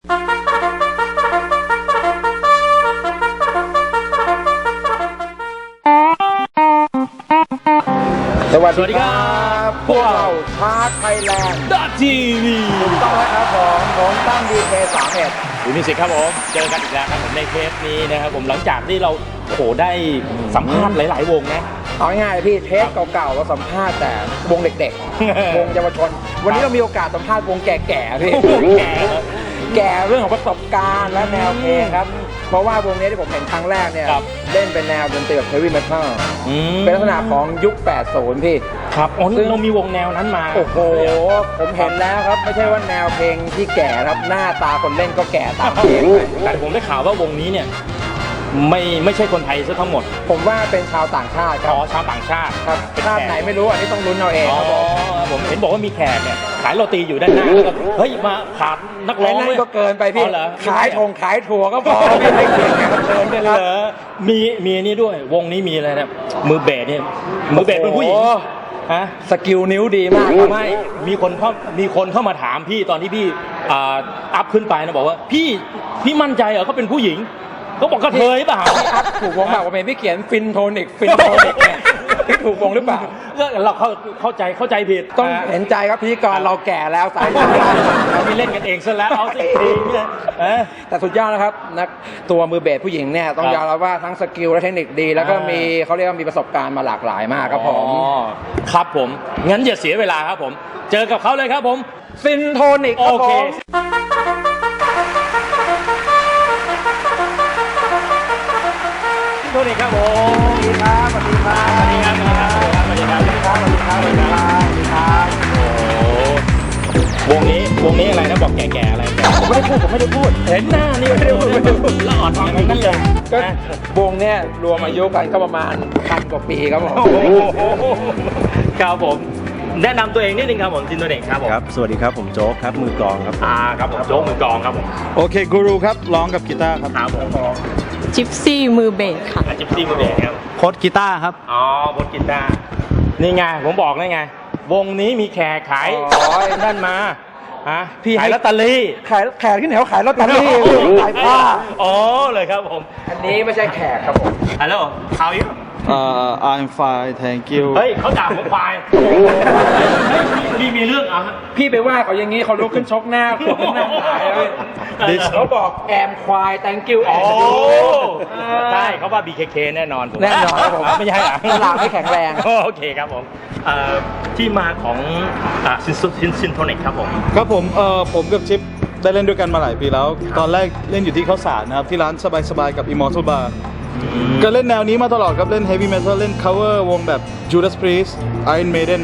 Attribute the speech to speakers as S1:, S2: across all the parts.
S1: สวัสดีครับพวกเราชาร์จไทยแลนด์
S2: ทีวี
S1: ถูกต้องแล้วครับผมตั้งDK31
S2: คุณมิสิกครับผมเจอกันอีกแล้วครับผมในเทปนี้นะครับผมหลังจากที่เราได้สัมภาษณ์หลายๆวงนะ
S1: เอาง่ายๆพี่เทปเก่าๆเราสัมภาษณ์แต่วงเด็กๆ วงเยาวชนวันนี้เรามีโอกาสสัมภาษณ์วงแก่ๆพี่แก่เรื่องของประสบการณ์และแนวเพลงครับเพราะว่าวงนี้ที่ผมเห็นครั้งแรกเนี่ยเล่นเป็นแนวดนตรีแบบเฮฟวี่เมทัลเป็นลักษณะของยุค 80 พี่
S2: ครับซึ่งเรามีวงแนวนั้นมา
S1: โอ้โหผมเห็นแล้วครับไม่ใช่ว่าแนวเพลงที่แก่ครับหน้าตาคนเล่นก็แก่ตามเพลง
S2: แต่ผมได้ข่าวว่าวงนี้เนี่ยไม่ใช่คนไทยซะทั้งหมด
S1: ผมว่าเป็นชาวต่างชาติครับ
S2: ชาวต่างชาติ
S1: ครับชาติไหนไม่รู้อันนี้ต้องลุ้นเอาเองครับ
S2: ผมเห็นบอกว่ามีแขกเนี่ยขายโรตีอยู่ด้านหน้าเฮ้ยมาขาดนักร้อง
S1: ก็เกินไปพี่ขายถั่วก็พอไม่ให้เกินแขกเกินไปเลย
S2: มีนี่ด้วยวงนี้มีอะไรนะมือเบสเนี่ยมือเบสเป็นผู้หญิงฮะ
S1: สกิลนิ้วดีมาก
S2: ไม่มีคนเข้ามาถามพี่ตอนที่พี่อัพขึ้นไปนะบอกว่าพี่มั่นใจเหรอเขาเป็นผู้หญิงก็บอกกระเทยเปล่า
S1: พี่อัพถูกวงแบบว่าเป็นพี่เขียนฟินโทนิกเนี่ยพี่ถูกวงหรือเปล่า
S2: เราเข้าใจผิด
S1: ต้องเห็นใจครับพิธีกรเราแก่แล้วสาย
S2: เรามีเล่นกันเองซะแล้วเอาสิ
S1: แต่สุดยอดนะครับนักตัวมือเบสผู้หญิงเนี่ยต้องยอมรับว่าทั้งสกิลและเทคนิคดีแล้วก็มีเขาเรียกว่ามีประสบการณ์มาหลากหลายมากครับผม
S2: ครับผมงั้นอย่าเสียเวลาครับผมเจอกับเขาเลยครับผม
S1: ฟินโทนิก
S2: โอเคโทนิกครับผม
S1: สวัสดีครับสวัสดีครับสวัสดีครับ
S2: สวัสดีครับสวัสดีครับสวัสดีครับสวัสดีครับโอ้วงนี้อะไรนะบอกแก่ๆอะไร
S1: ผมไม่ได้พูด
S2: เห็นหน้านี่ไม่ได้พูดแล้วอ่อนอย่างนั้นเลย
S1: ก็วงเนี่ยรวมอายุกันก็ประมาณ1,000 กว่าปีครับผม
S2: ครับผมแนะนำตัวเองนิดนึงครับผมซินโทนิกครับผม
S3: ครับสวัสดีครับผมโจ๊กครับมือกลองครับ
S2: ครับผมโจ๊กมือกลองครับผม
S3: โอเคกูรูครับร้องกับกีตาร์ครับ
S2: ครับผม
S4: จิปซี่มือเบสค่ะ
S2: จิปซี่มือเบสครับ
S3: โค้ดกีตาร์ครับ
S2: โค้ดกีตาร์นี่ไงผมบอกได้ไงวงนี้มีแขกขายนั่นมา
S1: พี่
S2: ขายลอตเตอรี่
S1: แขกที่ไหนเขาขายลอตเตอรี่ขายผ้า
S2: เลยครับผม
S1: อันนี้ไม่ใช่แขกครับผม
S2: ฮัลโหล how are you
S3: I'm fine thank you
S2: เฮ้ยเขาด่าผมควายมีเรื่อง
S1: พี่ไปว่าเขาอย่างนี้เขาลุกขึ้นชกหน้าผมนั่งขายเลยเขาบอกแอมควาย thank you
S2: ใช่เขาว่า BKK แน่นอน
S1: ครับผม
S2: ไม่ใช่
S1: ตลาดไม่แข็งแรง
S2: โอเคครับผมที่มาของซินโทนิกครับผม
S3: ครับผมกับชิปได้เล่นด้วยกันมาหลายปีแล้วตอนแรกเล่นอยู่ที่ข้าวสารนะครับที่ร้านสบายๆกับ Immortal Bar ก็เล่นแนวนี้มาตลอดครับเล่น Heavy Metal เล่น cover วงแบบ Judas Priest Iron Maiden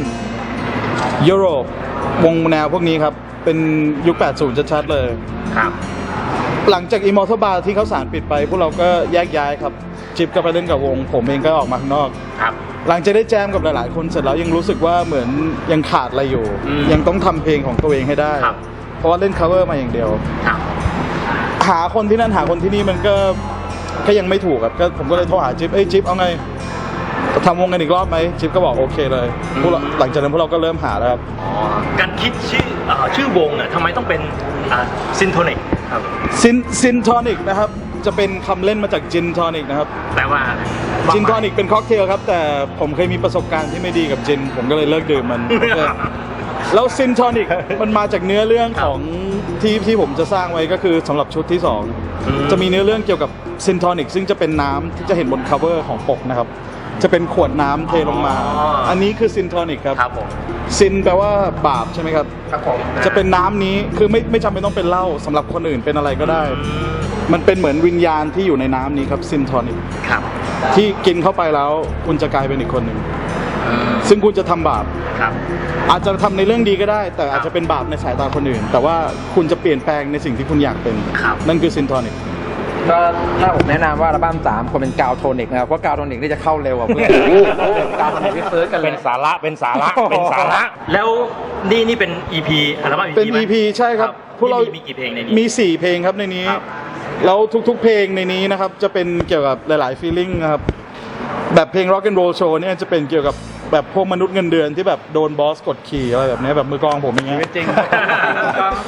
S3: Europe วงแนวพวกนี้ครับเป็นยุค 80 ชัดๆเลย
S2: ครับ
S3: หลังจาก Immortal Bar ที่ข้าวสารปิดไปพวกเราก็แยกย้ายครับชิปก็ไปเล่นกับวงผมเองก็ออกมาข้างนอก
S2: ครับ
S3: หลังจากได้แจมกับหลายๆคนเสร็จแล้วยังรู้สึกว่าเหมือนยังขาดอะไรอยู่ยังต้องทำเพลงของตัวเองให้ได้เพราะว่าเล่น cover มาอย่างเดียวหาคนที่นั่นหาคนที่นี่มันก็ยังไม่ถูกครับก็ผมก็เลยโทรหาจิ๊บจิ๊บเอาไงทำวงกันอีกรอบไหมจิ๊บก็บอกโอเคเลยหลังจากนั้นพวกเราก็เริ่มหาแล้วครับ
S2: การคิดชื่อวงเนี่ยทำไมต้องเป็นซินโทนิกครับ
S3: ซินโทนิกนะครับจะเป็นคำเล่นมาจากจินโทนิกนะครับ
S2: แปลว่า
S3: จินโทนิกเป็นค็อกเทลครับแต่ผมเคยมีประสบการณ์ที่ไม่ดีกับจินผมก็เลยเลิกดื่มมันแล้วซินโทนิกมันมาจากเนื้อเรื่องของที่ผมจะสร้างไว้ก็คือสำหรับชุดที่2จะมีเนื้อเรื่องเกี่ยวกับซินโทนิกซึ่งจะเป็นน้ำที่จะเห็นบน cover ของปกนะครับจะเป็นขวดน้ำเทลงมาอันนี้คือซินโทนิกครับซินแปลว่าบาปใช่ไหมครับจะเป็นน้ำนี้คือไม่จำเป็นต้องเป็นเหล้าสำหรับคนอื่นเป็นอะไรก็ได้มันเป็นเหมือนวิญญาณที่อยู่ในน้ำนี้ครับซินโทนิกที่กินเข้าไปแล้วคุณจะกลายเป็นอีกคนหนึ่งซึ่งคุณจะทำบาปอาจจะทำในเรื่องดีก็ได้แต่อาจจะเป็นบาปในสายตาคนอื่นแต่ว่าคุณจะเปลี่ยนแปลงในสิ่งที่คุณอยากเป็นนั่นคือซินโทนิก
S1: ก็ถ้าผมแนะนำว่าอัลบั้ม3ควรเป็นกาวโทนิกนะครับเพราะกาวโทนิกนี่จะเข้าเร็วกว่าเพื่อนกาวโทนิกที่เซิร์ชกัน
S2: เป็นสาระแล้วนี่เป็น EP อัลบั้ม EP
S3: เป็น EP ใช่ครับพวกเรา
S2: มีกี่เพลงในนี้
S3: มี4เพลงครับในนี้แล้วทุกๆเพลงในนี้นะครับจะเป็นเกี่ยวกับหลายๆฟีลลิ่งนะครับแบบเพลง Rock and Roll Show เนี่ยจะเป็นเกี่ยวกับแบบพวกมนุษย์เงินเดือนที่แบบโดนบอสกดขี่อะไรแบบนี้แบบมือกลองผมอย่างเงี้ย
S1: จริง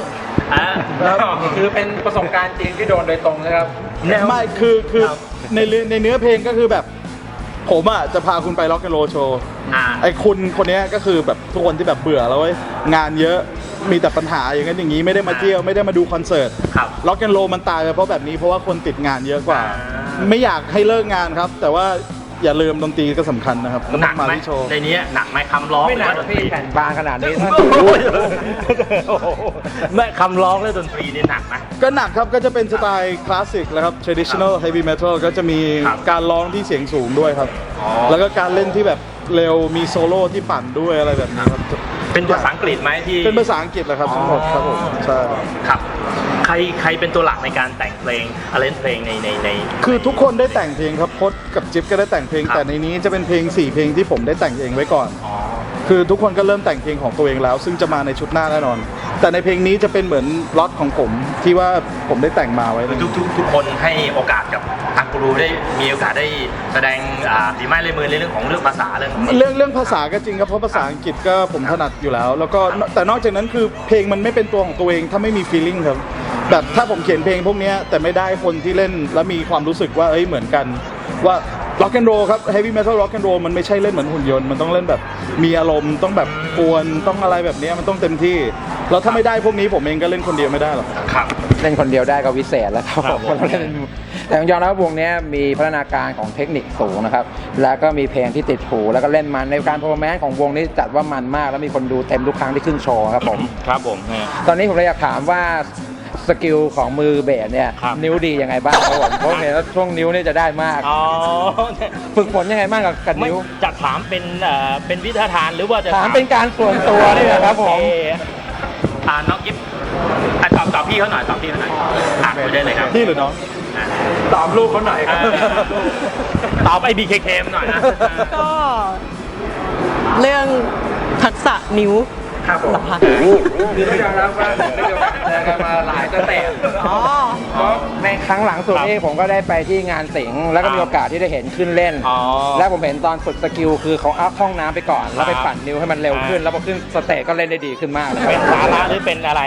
S1: คือเป็นประสบการณ์จริงที่โดนโดยตรงนะครับ
S3: ไม่คือในเนื้อเพลงก็คือแบบผมอ่ะจะพาคุณไปร็อกแอนด์โรลโชว์ไอ้คุณคนเนี้ยก็คือแบบทุกคนที่แบบเบื่อแล้วเว้ยงานเยอะมีแต่ปัญหาอย่างนั้นอย่างนี้ไม่ได้มาเที่ยวไม่ได้มาดูคอนเสิร์ตร็อกแอนด์โรลมันตายไปเพราะแบบนี้เพราะว่าคนติดงานเยอะกว่า ไม่อยากให้เลิกงานครับ แต่ว่าอย่าลืมดนตรีก็สำคัญนะครับ
S2: หนัก
S3: มา
S2: ไหม
S3: ที่โชว์
S2: ในนี้หนักไหมคำร้อง
S1: ไม่หนักพี่แผ่นบางขนาดนี้ท่าน
S2: แม่คำร้องและดนตรีนี่หนักไหม
S3: ก็หนักครับก็จะเป็นสไตล์คลาสสิกแล้วครับ traditional heavy metal ก็จะมี
S2: ครับ
S3: การร้องที่เสียงสูงด้วยครับ
S2: อ๋อ
S3: แล้วก็การเล่นที่แบบเร็วมีโซโล่ที่ปั่นด้วยอะไรแบบนี้ครับ
S2: เป็นภาษาอังกฤษไหมที่
S3: เป็นภาษาอังกฤษแหละครับทั้งหมดครับผมใช่
S2: ครับใครเป็นตัวหลักในการแต่งเพลงเพลงใน
S3: คือทุกคนได้แต่งเพลงครับพจน์กับจิ๊บก็ได้แต่งเพลง
S2: ครับ
S3: แต่ในนี้จะเป็นเพลง4เพลงที่ผมได้แต่งเองไว้ก่อน
S2: อ๋อ
S3: คือทุกคนก็เริ่มแต่งเพลงของตัวเองแล้ว ซึ่งจะมาในชุดหน้าแน่นอน แต่ในเพลงนี้จะเป็นเหมือนล็อตของผมที่ว่าผมได้แต่งมาไว้
S2: ทุกคนให้โอกาสกับทางกูรูได้มีโอกาสได้แสดงฝีไม้ลายมือในเรื่องของเรื่องภาษาเรื่องของ
S3: เรื่องภาษาก็จริงครับเพราะภาษาอังกฤษก็ผมถนัดอยู่แล้ว แล้วก็แต่นอกจากนั้นคือเพลงมันไม่เป็นตัวของตัวเองถ้าไม่มี feeling ครับแบบถ้าผมเขียนเพลงพวกเนี้ยแต่ไม่ได้คนที่เล่นแล้วมีความรู้สึกว่าเอ้ยเหมือนกันว่า rock and roll ครับ heavy metal rock and roll มันไม่ใช่เล่นเหมือนหุ่นยนต์มันต้องเล่นแบบมีอารมณ์ต้องแบบกวนต้องอะไรแบบเนี้ยมันต้องเต็มที่แล้วถ้าไม่ได้พวกนี้ผมเองก็เล่นคนเดียวไม่ได้หรอก
S2: ครับ
S1: เล่นคนเดียวได้ก็วิเศษแล้วครับ
S2: ครับ
S1: ผมแต่ยอมรับว่าวงนี้มีพัฒนาการของเทคนิคสูงนะครับแล้วก็มีเพลงที่ติดหูแล้วก็เล่นมันในการ performance ของวงนี้จัดว่ามันมากแล้วมีคนดูเต็มทุกครั้งที่ขึ้นโชว์ครับผม
S2: ครับผม
S1: ตอนนี้ผมเลยอยากถามว่าสกิลของมือเบสเนี่ย
S2: ครับ
S1: นิ้วดียังไงบ้างครับผมเพราะเห็นว่าช่วงนิ้วเนี่ยจะได้มาก
S2: อ๋อ
S1: ฝึกฝนยังไงบ้างกับ
S2: ไม่
S1: นิ้ว
S2: จะถามเป็นวิทยาทานหรือว่าจะ
S1: ถามเป็นการส่วนตัวนี่แหละครับผม
S2: โอเน้องกิฟตอบพี่เขาหน่อยตอบพี่เขาหน่อยคุยได้เลยครับ
S3: พี่หรือน้อง
S1: ตอบลูกเขาหน่อยครับ
S2: ตอบไอ้ BKK หน่อยนะ
S4: ก็เรื่องทักษะนิ้ว
S1: ครับผม
S4: เหรอคะ
S1: คือต้องยอมรับว่าได้มีโอกาสเจอกันมาหลายสเต็ป
S4: อ๋อ
S1: เพราะในครั้งหลังสุดนี่ผมก็ได้ไปที่งานสิงห์แล้วก็มีโอกาสที่ได้เห็นขึ้นเล่น
S2: อ๋อ
S1: แล้วผมเห็นตอนฝึกสกิลคือเขาอัพห้องน้ำไปก่อน แล้วไปปั่นนิ้วให้มันเร็วขึ้น แล้วพอขึ้นสเตจก็เล่นได้ดีขึ้นมากเลย
S2: เป็นสาระหรือเป็นอะไร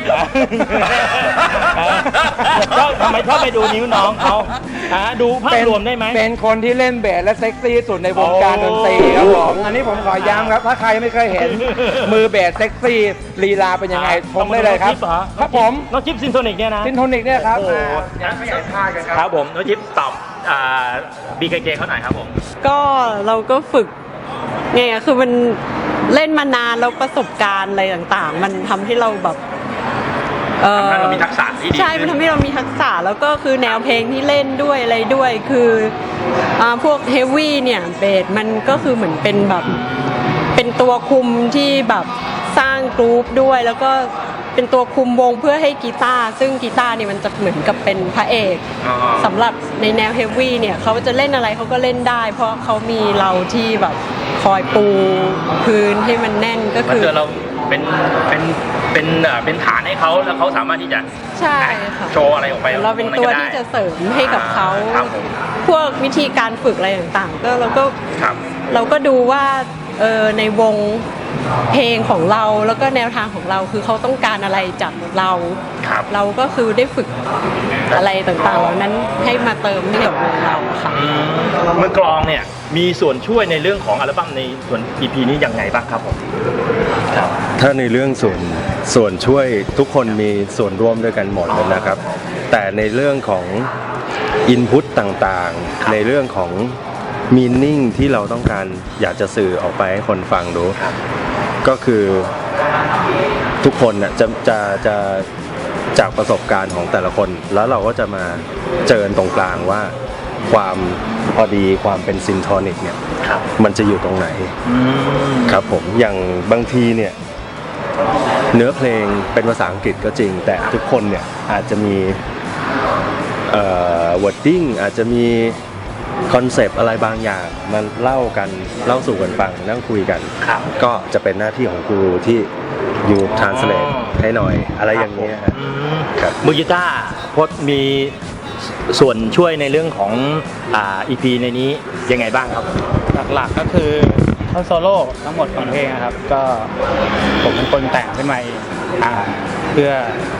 S2: ทำไมชอบไปดูนิ้วน้องเขาดูภาพรวมได้ไหม
S1: เป็นคนที่เล่นเบสและเซ็กซี่ที่สุดในวงการดนตรีครับผมอันนี้ผมขอย้ำครับ ถ้าใครไม่เคยเห็นมือเบสเซ็กซี่ลีลาเป็นยังไงชมได้เลยครับ ครับผม
S2: น้องจิ๊บซินโทนิกเนี่ยนะ
S1: ซินโทนิกเนี่ยครับ
S2: โอ้โห
S1: อย่าไม่อยากพลาดกันครับ
S2: ครับผมน้องจิ๊บตอบBKK เขาหน่อยครับผม
S4: ก็เราก็ฝึกไงอะคือมันเล่นมานานแล้วประสบการณ์อะไรต่างๆ มันทำให้เราแบบ
S2: ทำให้เรามีทักษะที่ดี
S4: ใช่ มันทำให้เรามีทักษะแล้วก็คือแนวเพลงที่เล่นด้วยอะไรด้วยคือพวกเฮฟวี่เนี่ยเบสมันก็คือเหมือนเป็นแบบเป็นตัวคุมที่แบบสร้างกรุ๊ปด้วยแล้วก็เป็นตัวคุมวงเพื่อให้กีตาร์ซึ่งกีตาร์เนี่ยมันจะเหมือนกับเป็นพระเอก
S2: อ๋อ
S4: สำหรับในแนวเฮฟวี่เนี่ยเขาจะเล่นอะไรเขาก็เล่นได้ เพราะเขามีเราที่แบบคอยปูพื้นให้มันแน่นก็
S2: มัน
S4: คือ
S2: เจอเราเป็นฐานให้เขาแล้วเขาสามารถที่จะ
S4: ใช่ค่ะ
S2: โชว์อะไรออกไป
S4: เราเป็นตัวที่จะเสริมให้กับเขา
S2: ครับผม
S4: พวกวิธีการฝึกอะไรต่างๆ ก็เราก็
S2: ครับ
S4: เราก็ดูว่าในวงเพลงของเราแล้วก็แนวทางของเราคือเขาต้องการอะไรจากเรา
S2: ครับ
S4: เราก็คือได้ฝึกอะไรต่างๆเหล่านั้นให้มาเติมให้กับวงเราค่ะ
S2: มือกลองเนี่ยมีส่วนช่วยในเรื่องของอัลบั้มในส่วน EP นี้ยังไงบ้างครับผม
S5: ถ้าในเรื่องส่วนช่วยทุกคนมีส่วนร่วมด้วยกันหมดเลยนะครับ แต่ในเรื่องของอินพุตต่างๆ ในเรื่องของมีนิ่งที่เราต้องการอยากจะสื่อออกไปให้คนฟังดูก็คือทุกคนน่ะจะจากประสบการณ์ของแต่ละคน แล้วเราก็จะมาเจอตรงกลางว่าความพอดีความเป็นซินโทนิกเนี่ยมันจะอยู่ตรงไหนครับผมอย่างบางทีเนี่ยเนื้อเพลงเป็นภาษาอังกฤษก็จริงแต่ทุกคนเนี่ยอาจจะมีwording อาจจะมีคอนเซปต์อะไรบางอย่างมาเล่าสู่กันฟังนั่งคุยกัน
S2: ครับ
S5: ก็จะเป็นหน้าที่ของกูรูที่อยู่ translate ให้หน่อยอะไรอย่างเงี้ยฮะ ครับ
S2: มือกีตาร์พจน์มีส่วนช่วยในเรื่องของEP ในนี้ยังไงบ้างครับ
S6: หลักๆก็คือท่อนโซโล่ทั้งหมดของเพลงนะครับ ก็ผมเป็นคนแต่งขึ้นมาเองเพื่อ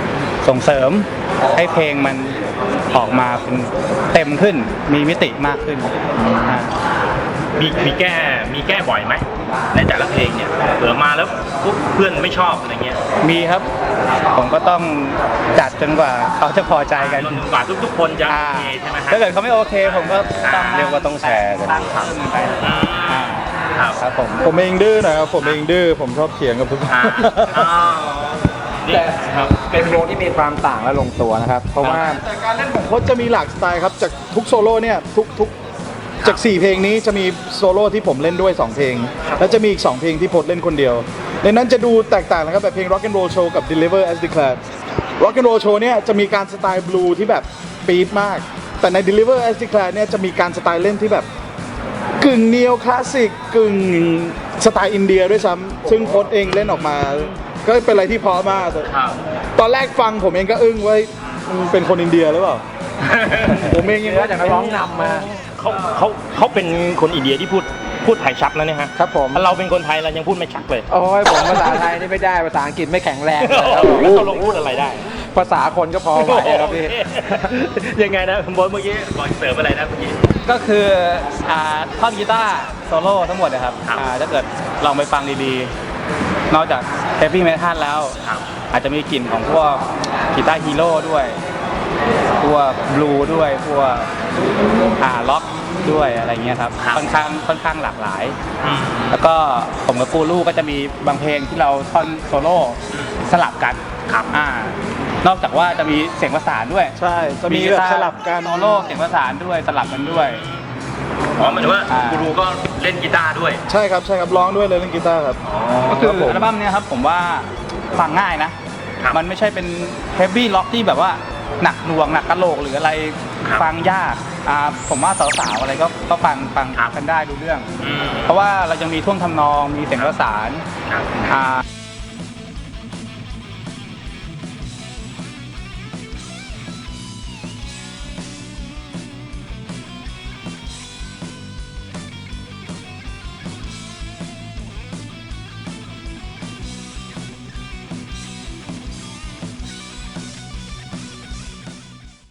S6: ส่งเสริมให้เพลงมันออกมาเป็นเต็มขึ้นมีมิติมากขึ้นอ่า
S2: มีแก้บ่อยไหมในแต่ละเพลงเนี่ยเผื่อมาแล้วปุ๊บเพื่อนไม่ชอบอะไรเงี้ย
S6: มีครับ ผมก็ต้องจัดจนกว่าเขาจะพอใจกัน
S2: จนกว่าทุกๆคนจะโอเคใช่ไหมฮะ
S6: ถ้าเกิดเขาไม่โอเค ผมก็ต้อง
S5: เรียกว่าต้องแชร์กัน
S6: ตั้งเพิ่มไป
S2: ครับ
S6: ครับผม
S3: ผมเองดื้อหนะครับผมเองดื้อผมชอบเถียงกับทุกคน
S2: นี่
S1: แต่
S2: ครับ
S1: เป็นวงที่มีความต่างและลงตัวนะครับ เพราะว่า
S3: แต่การเล่นของโค้ชจะมีหลากสไตล์ครับจากทุกโซโล่เนี่ยทุกจาก 4 เพลงนี้จะมีโซโล่ที่ผมเล่นด้วย 2 เพลง แล้วจะมีอีก 2 เพลงที่โพสเล่นคนเดียวในนั้นจะดูแตกต่างนะครับแบบเพลง Rock and Roll Show กับ Deliver as Declared Rock and Roll Show เนี่ยจะมีการสไตล์บลูที่แบบปี๊ดมาก แต่ใน Deliver as Declared เนี่ยจะมีการสไตล์เล่นที่แบบกึ่งเนียวคลาสสิกกึ่งสไตล์อินเดียด้วยซ้ำซึ่งโค้ชเองเล่นออกมา ก็เป็นอะไรที่เพราะมาก
S2: ครับ
S3: ตอนแรกฟังผมเองก็อึ้งว่ามึงเป็นคนอินเดียหรือเปล่า ผมเองยัง
S1: เนื้อจากนักร้องนำมา
S2: เขาเป็นคนอินเดียที่พูดไทยชัดนะเนี่ยฮะ
S1: ครับผม
S2: ถ้าเราเป็นคนไทยเรายังพูดไม่ชัดเลย
S1: โอ้ยผมภาษาไทยนี่ไม่ได้ภาษาอังกฤษไม่แข็งแรงเลยครับ
S2: แล้วเขาลงพูดอะไรได้
S1: ภาษาคนก็พอไหวครับพี่
S2: ยังไงนะบอสเมื่อกี้บอกเสริมอะไรนะเมื่อกี้
S6: ก็คือท่อนกีตาร์โซโล่ทั้งหมดนะครับ
S2: ครับ
S6: ถ้าเกิดลองไปฟังดีๆ นอกจากเฮฟวี่เมทัลแล้ว
S2: ครับ
S6: อาจจะมีกลิ่นของพวกกีตาร์ฮีโร่ด้วยพวกบลูด้วยพวกล็อกด้วยอะไรเงี้ยครับ
S2: ครับ
S6: ค่อนข้างหลากหลาย แล้วก็ผมกับกูรูก็จะมีบางเพลงที่เราท่อนโซโล่สลับกัน
S2: ครับ
S6: นอกจากว่าจะมีเสียงประสานด้วย
S3: ใช่จะมีแบบสลับกัน
S6: โซโล่เสียงประสานด้วยสลับกันด้วย
S2: อ๋อหมายถึงว่ากูรูก็เล่นกีตาร์ด้วย
S3: ใช่ครับร้องด้วยเลยเล่นกีตาร์ครับ
S6: ก็คือ
S3: ครับผม
S6: อัลบั้มเนี้ยครับผมว่าฟังง่ายนะ
S2: ครับ
S6: มันไม่ใช่เป็นเฮฟวี่ล็อกที่แบบว่าหนักหน่วงหนักกะโหลกหรืออะไร
S2: ครับ
S6: ฟังยากผมว่าสาวๆอะไรก็ฟัง
S2: ครับ
S6: กันได้ดูเรื่อง
S2: อืม
S6: เพราะว่าเรายังมีท่วงทำนองมีเสียงประสาน
S2: ครับ
S6: อ่า